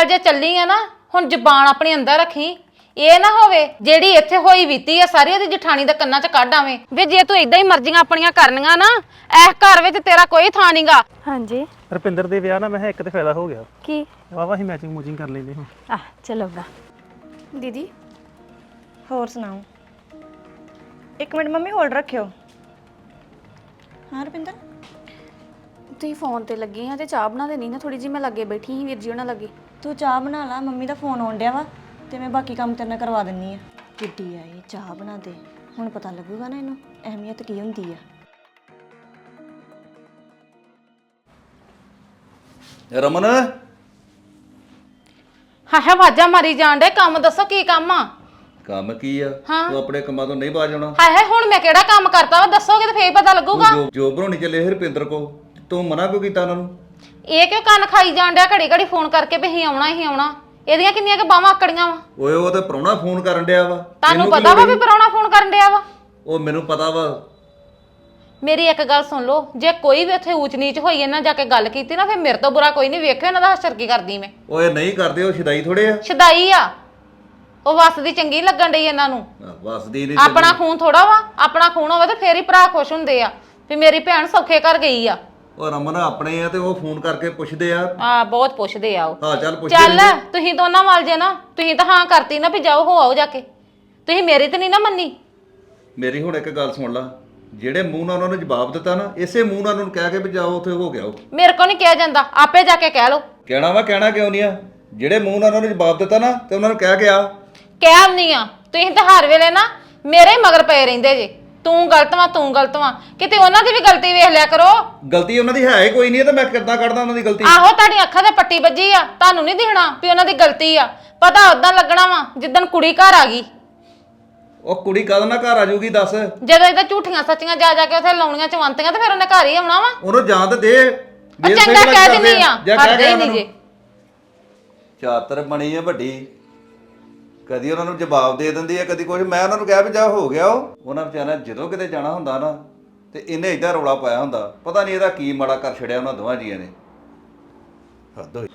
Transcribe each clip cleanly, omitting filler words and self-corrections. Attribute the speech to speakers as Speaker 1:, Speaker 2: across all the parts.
Speaker 1: ਚੱਲ ਜੇ ਚੱਲੀ ਆ ना हुण ਜ਼ਬਾਨ अपने अंदर रखी। ਇਹ ਨਾ ਹੋਵੇ ਜਿਹੜੀ ਇੱਥੇ ਹੋਈ ਬੀਤੀ ਆ ਸਾਰੀ ਉਹਦੀ ਜਠਾਣੀ ਦੇ ਕੰਨਾਂ 'ਚ ਕੱਢ ਆਵੇਂ ਵੇ ਜੇ ਤੂੰ ਇਦਾਂ ਹੀ ਮਰਜ਼ੀਆਂ ਆਪਣੀਆਂ ਕਰਨੀਆਂ ਨਾ ਇਸ ਘਰ ਵਿੱਚ ਤੇਰਾ ਕੋਈ ਥਾਂ ਨਹੀਂਗਾ।
Speaker 2: ਹਾਂਜੀ
Speaker 3: ਰੁਪਿੰਦਰ ਦੇ ਵਿਆਹ ਨਾਲ ਮੈਂ ਇੱਕ ਤੇ ਫਾਇਦਾ ਹੋ ਗਿਆ
Speaker 2: ਕੀ
Speaker 3: ਵਾਵਾ ਹੀ ਮੈਚਿੰਗ ਮੂਚਿੰਗ ਕਰ ਲੈਂਦੇ ਹਾਂ।
Speaker 2: ਆ ਚਲੋਗਾ
Speaker 4: दीदी होर सुनाओ। एक मिनट मम्मी होल्ड रखियो। हाँ रुपिंदर
Speaker 5: ਤੁਸੀਂ ਫੋਨ ਤੇ ਲੱਗੀ ਆ ਤੇ ਚਾਹ ਬਣਾ ਦੇਣੀ ਨਾ ਥੋੜੀ ਜੀ ਮੈਂ ਲੱਗੇ ਬੈਠੀ ਸੀ ਵੀਰ ਜੀ ਉਹਨਾਂ ਲੱਗੇ।
Speaker 4: तू चाह बना ला मम्मी दा फोन आउण डिया वा ते मैं बाकी काम तेरे नाल करवा दिन्नी आ। किड्डी आई चाह बना दे हुण पता लगूगा ना इनू अहमियत की हुंदी आ।
Speaker 6: रमन
Speaker 1: ਹਾਂ ਹੈ ਆਵਾਜ਼ਾਂ ਮਾਰੀ ਜਾਣ ਡੇ ਕੰਮ ਦੱਸੋ ਕੀ ਕੰਮ ਆ।
Speaker 6: ਕੰਮ ਕੀ ਆ ਤੂੰ ਆਪਣੇ ਕੰਮਾਂ ਤੋਂ ਨਹੀਂ ਬਾਜ ਆਉਣਾ।
Speaker 1: ਹਾਏ ਹਾਏ ਹੁਣ ਮੈਂ ਕਿਹੜਾ ਕੰਮ ਕਰਤਾ ਵਾ ਦੱਸੋਗੇ ਤੇ ਫੇਰ ਪਤਾ ਲੱਗੂਗਾ।
Speaker 6: ਜੋ ਬਣਾਉਣੀ ਚੱਲੇ ਹਰਪਿੰਦਰ ਕੋ ਤੂੰ ਮਨਾ ਕਿਉਂ ਕੀਤਾ ਉਹਨਾਂ ਨੂੰ?
Speaker 1: ਇਹ ਕਿਉਂ ਕੰਨ ਖਾਈ ਜਾਣ ਡਿਆ ਘੜੀ ਘੜੀ ਫੋਨ ਕਰਕੇ ਵੀ ਹੀ ਆਉਣਾ ਹੀ ਆਉਣਾ। ਇਹਦੀਆਂ ਕਿੰਨੀਆਂ ਕਿ ਬਾਹਾਂ ਆਕੜੀਆਂ ਵਾ।
Speaker 6: ਓਏ ਉਹ ਤੇ ਪ੍ਰਾਹੁਣਾ ਫੋਨ ਕਰਨ ਡਿਆ ਵਾ।
Speaker 1: ਤੁਹਾਨੂੰ ਪਤਾ ਵਾ ਵੀ ਪਰਾਉਣਾ ਫੋਨ ਕਰਨ ਡਿਆ ਵਾ।
Speaker 6: ਉਹ ਮੈਨੂੰ ਪਤਾ ਵਾ।
Speaker 1: ਮੇਰੀ ਇੱਕ ਗੱਲ ਸੁਣ ਲਓ ਜੇ ਕੋਈ ਵੀ ਉੱਥੇ ਊਚ ਨੀਚ ਹੋਈ ਇਹਨਾਂ ਜਾ ਕੇ ਗੱਲ ਕੀਤੀ ਨਾ ਫਿਰ ਮੇਰੇ ਤੋਂ ਬੁਰਾ ਕੋਈ ਨਹੀਂ ਵੇਖਿਓ ਇਹਨਾਂ ਦਾ ਹਸ਼ਰ ਕੀ ਕਰਦੀ ਮੈਂ।
Speaker 6: ਓਏ ਨਹੀਂ ਕਰਦੇ ਉਹ ਸ਼ਦਾਈ ਥੋੜੇ ਆ।
Speaker 1: ਸ਼ਦਾਈ ਆ ਉਹ ਵਸਦੀ ਚੰਗੀ ਲੱਗਣ ਡਈ ਇਹਨਾਂ ਨੂੰ।
Speaker 6: ਵਸਦੀ ਨਹੀਂ
Speaker 1: ਆਪਣਾ ਖੂਨ ਥੋੜਾ ਵਾ ਆਪਣਾ ਖੂਨ ਹੋਵੇ ਤੇ ਫੇਰ ਹੀ ਭਰਾ ਖੁਸ਼ ਹੁੰਦੇ ਆ ਵੀ ਮੇਰੀ ਭੈਣ ਸੌਖੇ ਘਰ ਗਈ ਆ।
Speaker 6: ਉਹ ਰਮਨ ਆਪਣੇ ਆ ਤੇ ਉਹ ਫੋਨ ਕਰਕੇ ਪੁੱਛਦੇ ਆ।
Speaker 1: ਬਹੁਤ ਪੁੱਛਦੇ ਆ ਉਹ।
Speaker 6: ਹਾਂ ਚੱਲ ਪੁੱਛਦੇ
Speaker 1: ਚੱਲ ਤੁਸੀਂ ਦੋਨਾਂ ਵੱਲ ਜੇ ਨਾ ਤੁਸੀਂ ਤਾਂ ਹਾਂ ਕਰਤੀ ਨਾ ਵੀ ਜਾਓ ਹੋ ਆਓ ਜਾ ਕੇ ਤੁਸੀਂ ਮੇਰੀ ਤੇ ਨਹੀਂ ਨਾ ਮੰਨੀ।
Speaker 6: ਮੇਰੀ ਹੁਣ ਇੱਕ ਗੱਲ ਸੁਣ ਲਾ ਜਿਹੜੇ ਮੂੰਹ ਨਾਲ ਉਹਨਾਂ ਨੇ ਜਵਾਬ ਦਿੱਤਾ ਨਾ ਇਸੇ ਮੂੰਹ ਨਾਲ ਉਹਨਾਂ ਨੂੰ ਕਹਿ ਕੇ ਵੀ ਜਾਓ ਉੱਥੇ ਹੋ ਗਿਆ ਉਹ।
Speaker 1: ਮੇਰੇ ਕੋ ਨਹੀਂ ਕਿਹਾ ਜਾਂਦਾ ਆਪੇ ਜਾ ਕੇ ਕਹਿ ਲਓ।
Speaker 6: ਕਹਿਣਾ ਵਾ ਕਹਿਣਾ ਕਿਉਂ ਨਹੀਂ ਆ ਜਿਹੜੇ ਮੂੰਹ ਨਾਲ ਉਹਨਾਂ ਨੇ ਜਵਾਬ ਦਿੱਤਾ ਨਾ ਤੇ ਉਹਨਾਂ ਨੂੰ ਕਹਿ ਕੇ ਆ।
Speaker 1: ਕਹਿ ਨਹੀਂ ਆ ਤੁਸੀਂ ਤਾਂ ਹਰ ਵੇਲੇ ਨਾ ਮੇਰੇ ਮਗਰ ਪਏ ਰਹਿੰਦੇ ਜੇ ਤੂੰ ਗਲਤ ਵਾ ਤੂੰ ਗਲਤ ਵਾ ਕਿਤੇ ਉਹਨਾਂ ਦੀ ਵੀ ਗਲਤੀ ਵੇਖ ਲਿਆ ਕਰੋ।
Speaker 6: ਗਲਤੀ ਉਹਨਾਂ ਦੀ ਹੈ ਹੀ ਕੋਈ ਨਹੀਂ ਤੇ ਮੈਂ ਕਿੱਦਾਂ ਕੱਢਦਾ ਉਹਨਾਂ ਦੀ ਗਲਤੀ।
Speaker 1: ਆਹੋ ਤੁਹਾਡੀ ਅੱਖਾਂ ਤੇ ਪੱਟੀ ਵੱਜੀ ਆ ਤੁਹਾਨੂੰ ਨਹੀਂ ਦਿਖਣਾ ਵੀ ਉਹਨਾਂ ਦੀ ਗਲਤੀ ਆ ਪਤਾ ਉਦਾਂ ਲੱਗਣਾ ਵਾ ਜਿੱਦਣ ਕੁੜੀ ਘਰ ਆ ਗਈ।
Speaker 6: ਉਹ ਕੁੜੀ ਕਦ ਨਾ ਘਰ ਆ ਜਾਊਗੀ ਦੱਸ।
Speaker 1: ਜਦੋਂ ਇਹਦਾ ਝੂਠੀਆਂ ਸੱਚੀਆਂ ਜਾ ਜਾ ਕੇ ਉੱਥੇ ਲਾਉਣੀਆਂ ਚਵੰਤੀਆਂ ਤੇ ਫਿਰ ਉਹਨੇ ਘਰ ਹੀ ਆਉਣਾ ਵਾ।
Speaker 6: ਉਹਨੂੰ ਜਾਂ ਤੇ ਦੇ
Speaker 1: ਚੰਗਾ ਕਹਿ ਦਿੰਦੀ ਆ ਕਰਦੇ ਹੀ ਨਹੀਂ ਜੇ।
Speaker 6: ਚਾਤਰ ਬਣੀ ਆ ਵੱਡੀ ਕਦੀ ਉਹਨਾਂ ਨੂੰ ਜਵਾਬ ਦੇ ਦਿੰਦੀ ਆ ਕਦੀ ਕੁਝ। ਮੈਂ ਉਹਨਾਂ ਨੂੰ ਕਿਹਾ ਵੀ ਜਾ ਹੋ ਗਿਆ ਉਹ ਉਹਨਾਂ ਵਿਚਾਰਿਆਂ ਜਦੋਂ ਕਿਤੇ ਜਾਣਾ ਹੁੰਦਾ ਨਾ ਤੇ ਇਹਨੇ ਏਦਾਂ ਰੌਲਾ ਪਾਇਆ ਹੁੰਦਾ ਪਤਾ ਨਹੀਂ ਇਹਦਾ ਕੀ ਮਾੜਾ ਕਰ ਛੜਿਆ ਉਹਨਾਂ ਦੋਵਾਂ ਜੀਆਂ ਨੇ। ਹੱਦ ਹੋਈ।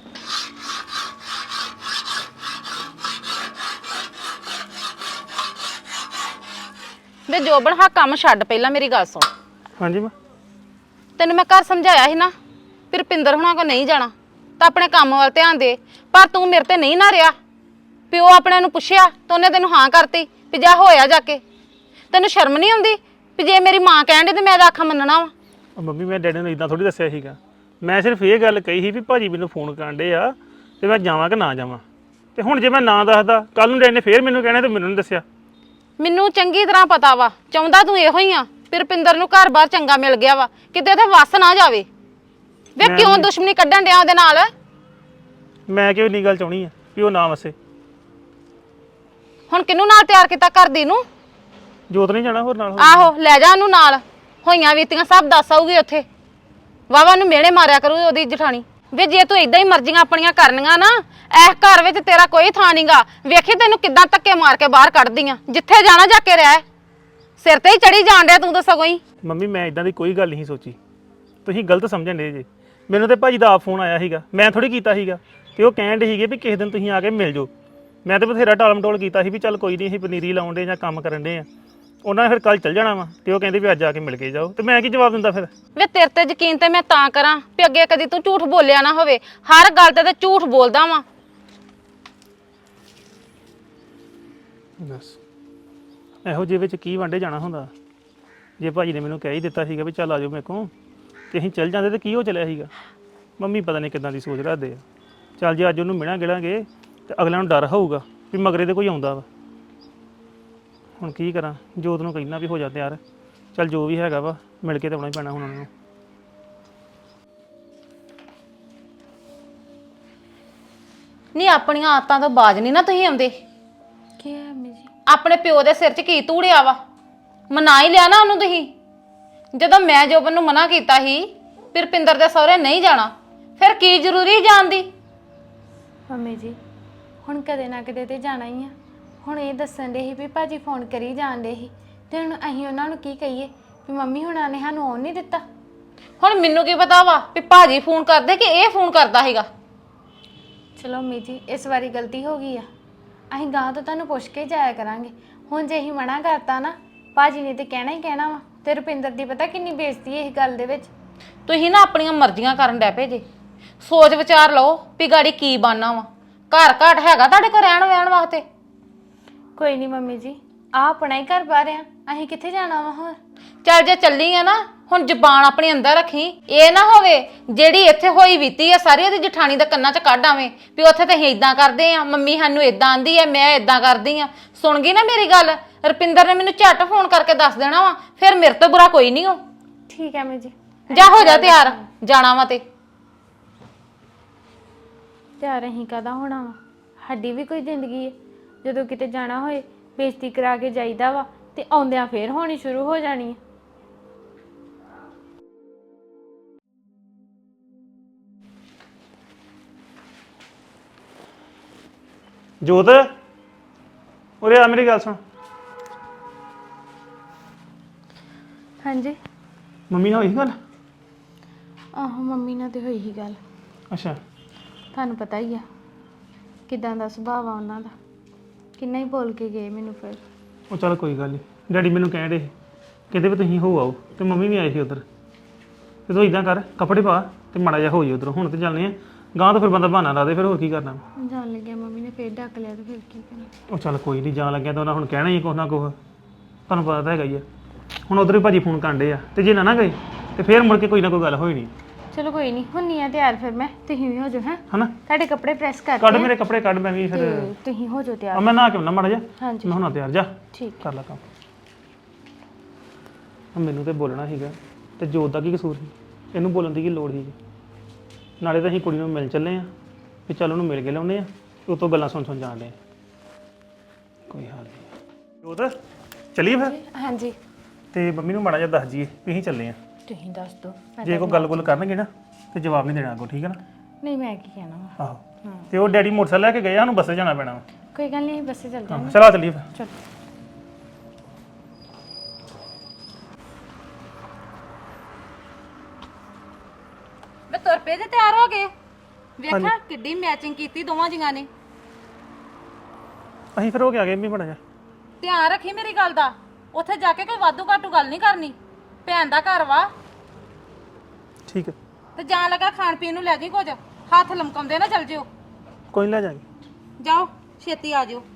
Speaker 1: ਵੇ ਜੋਬਨ ਹਾਂ ਕੰਮ ਛੱਡ ਪਹਿਲਾਂ ਮੇਰੀ ਗੱਲ ਸੁਣ।
Speaker 3: ਹਾਂਜੀ ਮੈਂ
Speaker 1: ਤੈਨੂੰ ਮੈਂ ਘਰ ਸਮਝਾਇਆ ਸੀ ਨਾ ਫਿਰ ਰੁਪਿੰਦਰ ਹੁਣਾਂ ਕੋ ਨਹੀਂ ਜਾਣਾ ਤਾਂ ਆਪਣੇ ਕੰਮ ਵੱਲ ਧਿਆਨ ਦੇ ਪਰ ਤੂੰ ਮੇਰੇ ਤੇ ਨਹੀਂ ਨਾ ਰਿਹਾ ਪਿਓ ਆਪਣੇ ਨੂੰ ਪੁੱਛਿਆ ਤਾਂ ਉਹਨੇ ਤੈਨੂੰ ਹਾਂ ਕਰਤੀ ਵੀ ਜਾ ਹੋਇਆ ਜਾ ਕੇ। ਤੈਨੂੰ ਸ਼ਰਮ ਨਹੀਂ ਆਉਂਦੀ ਵੀ ਜੇ ਮੇਰੀ ਮਾਂ ਕਹਿਣ ਦੀ ਤੇ ਮੈਂ ਤਾਂ ਆਖਾਂ ਮੰਨਣਾ ਵਾ।
Speaker 3: ਮੰਮੀ ਮੈਂ ਡੈਡੀ ਨੂੰ ਇਦਾਂ ਥੋੜੀ ਦੱਸਿਆ ਸੀਗਾ ਮੈਂ ਸਿਰਫ ਇਹ ਗੱਲ ਕਹੀ ਸੀ ਵੀ ਭਾਜੀ ਮੈਨੂੰ ਫੋਨ ਕਰਨ ਡੇ ਆ ਤੇ ਮੈਂ ਜਾਵਾਂ ਕਿ ਨਾ ਜਾਵਾਂ ਤੇ ਹੁਣ ਜੇ ਮੈਂ ਨਾ ਦੱਸਦਾ ਕੱਲ ਨੂੰ ਡੈਡੀ ਨੇ ਫੇਰ ਮੈਨੂੰ ਕਹਿਣਾ ਤੇ ਮੈਨੂੰ ਨਹੀਂ ਦੱਸਿਆ।
Speaker 1: ਮੈਨੂੰ ਚੰਗੀ ਤਰ੍ਹਾਂ ਪਤਾ ਵਾ ਚਾਹੁੰਦਾ ਤੂੰ ਇਹੋ ਹੀ ਆ ਫਿਰ ਰੁਪਿੰਦਰ ਨੂੰ ਘਰ-ਬਾਰ ਚੰਗਾ ਮਿਲ ਗਿਆ ਵਾ ਕਿਤੇ ਉਹਦੇ ਵੱਸ ਨਾ ਜਾਵੇ। ਵੇ ਕਿਉਂ ਦੁਸ਼ਮਣੀ ਕੱਢਣ ਡਿਆ ਉਹਦੇ ਨਾਲ?
Speaker 3: ਮੈਂ ਕਿਉਂ ਨਹੀਂ ਗੱਲ ਚਾਹਣੀ ਆ ਵੀ ਉਹ ਨਾ ਵਸੇ।
Speaker 1: ਹੁਣ ਕਿਹਨੂੰ ਨਾਲ ਤਿਆਰ ਕੀਤਾ ਕਰਦੀ ਨੂੰ?
Speaker 3: ਜੋਤ ਨਹੀਂ ਜਾਣਾ ਹੋਰ ਨਾਲ।
Speaker 1: ਆਹੋ ਲੈ ਜਾ ਉਹਨੂੰ ਨਾਲ ਹੋਈਆਂ ਬੀਤੀਆਂ ਸਭ ਦੱਸ ਆਊਗੀ ਉੱਥੇ ਵਾਵਾ ਨੂੰ ਮਿਹਣੇ ਮਾਰਿਆ ਕਰੂ ਉਹਦੀ ਜਠਾਣੀ। ਵੇ ਜੇ ਤੂੰ ਇਦਾਂ ਹੀ ਮਰਜ਼ੀਆਂ ਆਪਣੀਆਂ ਕਰਨੀਆਂ ਨਾ ਇਸ ਘਰ ਵਿੱਚ ਤੇਰਾ ਕੋਈ ਥਾਂ ਨਹੀਂਗਾ। ਵੇਖੀ ਤੈਨੂੰ ਕਿੱਦਾਂ ਧੱਕੇ ਮਾਰ ਕੇ ਬਾਹਰ ਕੱਢਦੀਆਂ ਜਿੱਥੇ ਜਾਣਾ ਜਾ ਕੇ ਰਹਿ ਸਿਰ ਤੇ ਹੀ ਚੜੀ ਜਾਣ ਡਿਆ ਤੂੰ ਤਾਂ ਸਗੋਂ ਹੀ।
Speaker 3: ਮੰਮੀ ਮੈਂ ਇਦਾਂ ਦੀ ਕੋਈ ਗੱਲ ਨਹੀਂ ਸੋਚੀ ਤੁਸੀਂ ਗਲਤ ਸਮਝਣ ਡੇ ਜੇ। ਮੈਨੂੰ ਤੇ ਭਾਜੀ ਦਾ ਆਪ ਫੋਨ ਆਇਆ ਸੀਗਾ ਮੈਂ ਥੋੜੀ ਕੀਤਾ ਸੀਗਾ ਤੇ ਉਹ ਕਹਿਣ ਡੇ ਸੀਗੇ ਵੀ ਕਿਸੇ ਦਿਨ ਤੁਸੀਂ ਆ ਕੇ ਮਿਲ ਜਾਓ। ਮੈਂ ਤੇ ਬਥੇਰਾ ਟਾਲਮਟੋਲ ਕੀਤਾ ਸੀ ਵੀ ਚੱਲ ਕੋਈ ਨਹੀਂ ਅਸੀਂ ਪਨੀਰੀ ਲਾਉਣ ਡੇ ਜਾਂ ਕੰਮ ਕਰਨ ਡੇ ਆ। ਉਹਨਾਂ ਨੇ ਫਿਰ ਕੱਲ ਚੱਲ ਜਾਣਾ ਵਾ ਤੇ ਉਹ ਕਹਿੰਦੇ ਵੀ ਅੱਜ ਆ ਕੇ ਮਿਲ ਕੇ ਜਾਓ ਤੇ ਮੈਂ ਕੀ ਜਵਾਬ ਦਿੰਦਾ ਫਿਰ।
Speaker 1: ਵੇ ਤੇਰੇ ਤੇ ਯਕੀਨ ਤੇ ਮੈਂ ਤਾਂ ਕਰਾਂ ਵੀ ਅੱਗੇ ਕਦੀ ਤੂੰ ਝੂਠ ਬੋਲਿਆ ਨਾ ਹੋਵੇ। ਹਰ ਗੱਲ ਤੇ ਝੂਠ ਬੋਲਦਾ ਵਾਂ।
Speaker 3: ਬਸ ਇਹੋ ਜਿਹੇ ਵਿੱਚ ਕੀ ਵਾਂਡੇ ਜਾਣਾ ਹੁੰਦਾ। ਜੇ ਭਾਜੀ ਨੇ ਮੈਨੂੰ ਕਹਿ ਹੀ ਦਿੱਤਾ ਸੀਗਾ ਵੀ ਚੱਲ ਆ ਜਾਓ ਮੇਰੇ ਕੋਲ ਤੇ ਅਸੀਂ ਚੱਲ ਜਾਂਦੇ ਤੇ ਕੀ ਹੋ ਚੱਲਿਆ ਸੀਗਾ। ਮੰਮੀ ਪਤਾ ਨਹੀਂ ਕਿੱਦਾਂ ਦੀ ਸੋਚ ਰੱਖਦੇ ਆ। ਚੱਲ ਜੇ ਅੱਜ ਉਹਨੂੰ ਮਿਲਾਂ ਗਿਲਾਂਗੇ ਤੇ ਅਗਲਿਆਂ ਨੂੰ ਡਰ ਹੋਊਗਾ ਵੀ ਮਗਰੇ ਤੇ ਕੋਈ ਆਉਂਦਾ ਵਾ। ਹੁਣ ਕੀ ਕਰਾਂ ਜੋਤ ਨੂੰ ਕਹਿਣਾ ਵੀ ਹੋ ਜਾ ਤਿਆਰ ਚੱਲ ਜੋ ਵੀ ਹੈਗਾ ਵਾ ਮਿਲ ਕੇ ਤੇ ਆਉਣਾ ਹੀ ਪੈਣਾ ਹੁਣ ਉਹਨਾਂ ਨੂੰ।
Speaker 1: ਨਹੀਂ ਆਪਣੀਆਂ ਆਦਤਾਂ ਤੋਂ ਬਾਜ ਨਹੀਂ ਨਾ ਤੁਸੀਂ ਆਉਂਦੇ।
Speaker 5: ਕੀ ਹੈ ਅੰਮੀ ਜੀ?
Speaker 1: ਆਪਣੇ ਪਿਓ ਦੇ ਸਿਰ 'ਚ ਕੀ ਧੂੜਿਆ ਵਾ ਮਨਾ ਹੀ ਲਿਆ ਨਾ ਉਹਨੂੰ ਤੁਸੀਂ। ਜਦੋਂ ਮੈਂ ਜੋਬਨ ਨੂੰ ਮਨਾ ਕੀਤਾ ਸੀ ਫਿਰ ਰੁਪਿੰਦਰ ਦੇ ਸਹੁਰੇ ਨਹੀਂ ਜਾਣਾ ਫਿਰ ਕੀ ਜ਼ਰੂਰੀ ਜਾਣ ਦੀ?
Speaker 5: ਮੰਮੀ ਜੀ ਹੁਣ ਕਦੇ ਨਾ ਕਦੇ ਤੇ ਜਾਣਾ ਹੀ ਆ। ਹੁਣ ਇਹ ਦੱਸਣ ਦੇ ਸੀ ਵੀ ਭਾਜੀ ਫੋਨ ਕਰੀ ਜਾਣ ਦੇ ਸੀ ਤੇ ਹੁਣ ਅਸੀਂ ਉਹਨਾਂ ਨੂੰ ਕੀ ਕਹੀਏ ਵੀ ਮੰਮੀ ਹੁਣਾਂ ਨੇ ਸਾਨੂੰ ਆਉਣ ਨਹੀਂ ਦਿੱਤਾ।
Speaker 1: ਹੁਣ ਮੈਨੂੰ ਕੀ ਪਤਾ ਵਾ ਵੀ ਭਾਜੀ ਫੋਨ ਕਰਦੇ ਕਿ ਇਹ ਫੋਨ ਕਰਦਾ ਹੈਗਾ।
Speaker 5: ਚਲੋ ਮੰਮੀ ਜੀ ਇਸ ਵਾਰੀ ਗਲਤੀ ਹੋ ਗਈ ਆ, ਅਸੀਂ ਗਾਂ ਤੋਂ ਤੁਹਾਨੂੰ ਪੁੱਛ ਕੇ ਜਾਇਆ ਕਰਾਂਗੇ। ਹੁਣ ਜੇ ਅਸੀਂ ਮਨਾ ਕਰਤਾ ਨਾ, ਭਾਜੀ ਨੇ ਤੇ ਕਹਿਣਾ ਹੀ ਕਹਿਣਾ ਵਾ, ਤੇ ਰੁਪਿੰਦਰ ਦੀ ਪਤਾ ਕਿੰਨੀ ਬੇਇੱਜ਼ਤੀ ਹੈ ਇਸ ਗੱਲ ਦੇ ਵਿੱਚ।
Speaker 1: ਤੁਸੀਂ ਨਾ ਆਪਣੀਆਂ ਮਰਜ਼ੀਆਂ ਕਰਨ ਡੈ ਪਏ ਜੇ। ਸੋਚ ਵਿਚਾਰ ਲਓ ਵੀ ਗਾੜੀ ਕੀ ਬਣਨਾ ਵਾ। ਘਰ ਘਾਟ ਹੈਗਾ ਤੁਹਾਡੇ ਕੋਲ ਰਹਿਣ ਵਹਿਣ ਵਾਸਤੇ?
Speaker 5: ਕੋਈ ਨਹੀਂ ਮੰਮੀ ਜੀ, ਆ ਆਪਣਾ ਹੀ ਘਰ ਬਾਹਰ ਆ, ਅਸੀਂ ਕਿੱਥੇ ਜਾਣਾ ਵਾ ਹੋਰ।
Speaker 1: ਚੱਲ ਜੇ ਚੱਲੀ ਆ ਨਾ, ਹੁਣ ਜ਼ਬਾਨ ਆਪਣੇ ਅੰਦਰ ਰੱਖੀ। ਇਹ ਨਾ ਹੋਵੇ ਜਿਹੜੀ ਇੱਥੇ ਹੋਈ ਬੀਤੀ ਆ ਸਾਰੀ ਉਹਦੀ ਜਠਾਣੀ ਦੇ ਕੰਨਾਂ 'ਚ ਕੱਢ ਆਵੇਂ ਵੀ ਉੱਥੇ ਤੇ ਅਸੀਂ ਇਦਾਂ ਕਰਦੇ ਆ, ਮੰਮੀ ਸਾਨੂੰ ਇਦਾਂ ਆਂਦੀ ਆ, ਮੈਂ ਇਦਾਂ ਕਰਦੀ ਆ। ਸੁਣ ਗਈ ਨਾ ਮੇਰੀ ਗੱਲ? ਰੁਪਿੰਦਰ ਨੇ ਮੈਨੂੰ ਝੱਟ ਫੋਨ ਕਰਕੇ ਦੱਸ ਦੇਣਾ ਵਾ, ਫਿਰ ਮੇਰੇ ਤੋਂ ਬੁਰਾ ਕੋਈ ਨਹੀਂ ਹੋ।
Speaker 5: ਠੀਕ ਹੈ ਮੰਮੀ ਜੀ।
Speaker 1: ਜਾ ਹੋ ਜਾ ਤਿਆਰ, ਜਾਣਾ ਵਾ ਤੇ।
Speaker 5: ਤਿਆਰ ਅਸੀਂ ਕਾਹਦਾ ਹੋਣਾ ਵਾ, ਸਾਡੀ ਵੀ ਕੋਈ ਜ਼ਿੰਦਗੀ ਹੈ। ਜਦੋਂ ਕਿਤੇ ਜਾਣਾ ਹੋਏ ਬੇਇੱਜ਼ਤੀ ਕਰਾ ਕੇ ਜਾਈਦਾ ਵਾ, ਤੇ ਆਉਂਦਿਆਂ ਫੇਰ ਹੋਣੀ ਸ਼ੁਰੂ ਹੋ ਜਾਣੀ ਹੈ।
Speaker 3: ਜੋਤ ਉਰੇ ਆ, ਮੇਰੀ ਗੱਲ ਸੁਣ।
Speaker 5: ਹਾਂਜੀ।
Speaker 3: ਮੰਮੀ ਨਾਲ ਹੋਈ ਗੱਲ?
Speaker 5: ਆਹੋ ਮੰਮੀ ਨਾਲ ਤੇ ਹੋਈ ਹੀ ਗੱਲ।
Speaker 3: ਅੱਛਾ।
Speaker 5: ਤੁਹਾਨੂੰ ਪਤਾ ਹੀ ਆ ਕਿਦਾਂ ਦਾ ਸੁਭਾਅ ਆ ਉਹਨਾਂ ਦਾ, ਕਿੰਨਾ ਹੀ ਬੋਲ ਕੇ ਗਏ ਮੈਨੂੰ ਫਿਰ।
Speaker 3: ਉਹ ਚੱਲ ਕੋਈ ਗੱਲ ਨਹੀਂ, ਡੈਡੀ ਮੈਨੂੰ ਕਹਿਣ ਡੇ ਕਹਿੰਦੇ ਵੀ ਤੁਸੀਂ ਹੋ ਆਓ, ਤੇ ਮੰਮੀ ਵੀ ਆਏ ਸੀ ਉਧਰ। ਤੇ ਤੂੰ ਇਦਾਂ ਕਰ, ਕੱਪੜੇ ਪਾ ਤੇ ਮਾੜਾ ਜਿਹਾ ਹੋ ਜੀ ਉਧਰੋਂ। ਹੁਣ ਤੇ ਚੱਲਨੇ ਆ ਗਾਂ ਤੋਂ, ਫਿਰ ਬੰਦਾ ਬਹਾਨਾ ਲਾ ਦੇ, ਫਿਰ ਹੋਰ ਕੀ ਕਰਨਾ।
Speaker 5: ਜਾਣ ਲੱਗਿਆ ਮੰਮੀ ਨੇ ਫੇਰ ਡੱਕ ਲਿਆ ਤੇ ਫਿਰ ਕੀ ਕਰਨਾ।
Speaker 3: ਉਹ ਚੱਲ ਕੋਈ ਨਹੀਂ, ਜਾਣ ਲੱਗਿਆ ਤਾਂ ਉਹਨਾਂ ਹੁਣ ਕਹਿਣਾ ਹੀ ਕੁਛ ਨਾ ਕੁਛ, ਤੁਹਾਨੂੰ ਪਤਾ ਤਾਂ ਹੈਗਾ ਹੀ ਆ। ਹੁਣ ਉਧਰ ਹੀ ਭਾਜੀ ਫੋਨ ਕਰਨ ਡੇ ਆ, ਤੇ ਜੇ ਨਾ ਗਏ ਤੇ ਫਿਰ ਮੁੜ ਕੇ ਕੋਈ ਨਾ ਕੋਈ ਗੱਲ ਹੋਈ ਨਹੀਂ।
Speaker 5: ਚਲੋ ਕੋਈ ਨਹੀਂ, ਹੁੰਨੀ ਆ ਤਿਆਰ ਫਿਰ ਮੈਂ, ਤੁਸੀਂ ਵੀ ਹੋ ਜਾਓ। ਹੈ
Speaker 3: ਹਨਾ,
Speaker 5: ਤੁਹਾਡੇ ਕੱਪੜੇ ਪ੍ਰੈਸ
Speaker 3: ਕੱਢ
Speaker 5: ਕਰਕੇ
Speaker 3: ਮੇਰੇ ਕੱਪੜੇ ਕੱਢ, ਮੈਂ ਵੀ ਫਿਰ
Speaker 5: ਤੇ ਤੁਸੀਂ ਹੋ ਜਾਓ ਤਿਆਰ।
Speaker 3: ਮੈਂ ਨਹਾ ਕੇ ਆਉਣਾ ਮਾੜਾ ਜਿਹਾ।
Speaker 5: ਹਾਂਜੀ
Speaker 3: ਮੈਂ ਹੁਣ ਤਿਆਰ ਜਾ
Speaker 5: ਠੀਕ।
Speaker 3: ਕਰ ਲਾ ਕੰਮ। ਮੈਨੂੰ ਤੇ ਬੋਲਣਾ ਸੀਗਾ, ਤੇ ਜੋਤ ਦਾ ਕੀ ਕਸੂਰ ਸੀ? ਇਹਨੂੰ ਬੋਲਣ ਦੀ ਕੀ ਲੋੜ ਸੀ? ਨਾਲੇ ਤਾਂ ਅਸੀਂ ਕੁੜੀ ਨੂੰ ਮਿਲ ਚੱਲੇ ਆ, ਵੀ ਚੱਲ ਉਹਨੂੰ ਮਿਲ ਕੇ ਲਾਉਨੇ ਆ, ਉਤੋਂ ਗੱਲਾਂ ਸੁਣ ਜਾਣ ਡੇ। ਕੋਈ ਹਾਲ ਨਹੀਂ। ਜੋਤ ਚੱਲੀਏ ਫਿਰ?
Speaker 5: ਹਾਂਜੀ
Speaker 3: ਤੇ ਮੰਮੀ ਨੂੰ ਮਾੜਾ ਜਿਹਾ ਦੱਸ ਜੀਏ ਵੀ ਅਸੀਂ ਚੱਲੇ ਆ।
Speaker 5: ਤੁਸੀਂ ਦੱਸ ਦਿਓ।
Speaker 3: ਜੇ ਕੋਈ ਗੱਲ-ਗੁੱਲ ਕਰਨਗੇ ਨਾ ਤੇ ਜਵਾਬ ਨਹੀਂ ਦੇਣਾ ਅੱਗੋਂ, ਠੀਕ ਹੈ ਨਾ?
Speaker 5: ਨਹੀਂ ਮੈਂ ਕੀ ਕਹਿਣਾ ਵਾ।
Speaker 3: ਆਹੋ। ਤੇ ਉਹ ਡੈਡੀ ਮੋਟਰਸਾਈਕਲ ਲੈ ਕੇ ਗਏ ਆ, ਸਾਨੂੰ ਬੱਸੇ ਜਾਣਾ ਪੈਣਾ ਵਾ।
Speaker 5: ਕੋਈ ਗੱਲ ਨਹੀਂ, ਬੱਸੇ ਚੱਲ ਜਾਂਗੇ।
Speaker 3: ਚਲਾ ਚੱਲੀਏ ਫਿਰ।
Speaker 5: ਚਲੋ।
Speaker 1: ਮੈਂ ਤੁਰ ਪਏ ਤੇ ਤਿਆਰ ਹੋ ਗਏ। ਵੇਖਿਆ ਕਿੱਡੀ ਮੈਚਿੰਗ ਕੀਤੀ ਦੋਵਾਂ ਜੀਆਂ ਨੇ।
Speaker 3: ਅਸੀਂ ਫਿਰ ਹੋ ਕੇ ਆ ਗਏ ਵੀ ਮਾੜਾ ਜਿਹਾ।
Speaker 1: ਧਿਆਨ ਰੱਖੀ ਮੇਰੀ ਗੱਲ ਦਾ, ਉੱਥੇ ਜਾ ਕੇ ਕੋਈ ਵਾਧੂ ਘਾਟੂ ਗੱਲ ਨਹੀਂ ਕਰਨੀ। ਭੈਣ ਦਾ ਘਰ ਵਾ।
Speaker 3: ਠੀਕ ਹੈ।
Speaker 1: ਤੇ ਜਾਣ ਲੱਗਾ ਖਾਣ ਪੀਣ ਨੂੰ ਲੈ ਜੀ ਕੁਝ, ਹੱਥ ਲਮਕਾਉਂਦੇ ਨਾ ਚੱਲ ਜਿਓ।
Speaker 3: ਕੋਈ ਨੀ, ਲੈ ਜਾਾਂਗੇ।
Speaker 1: ਜਾਓ ਛੇਤੀ ਆ ਜਿਓ।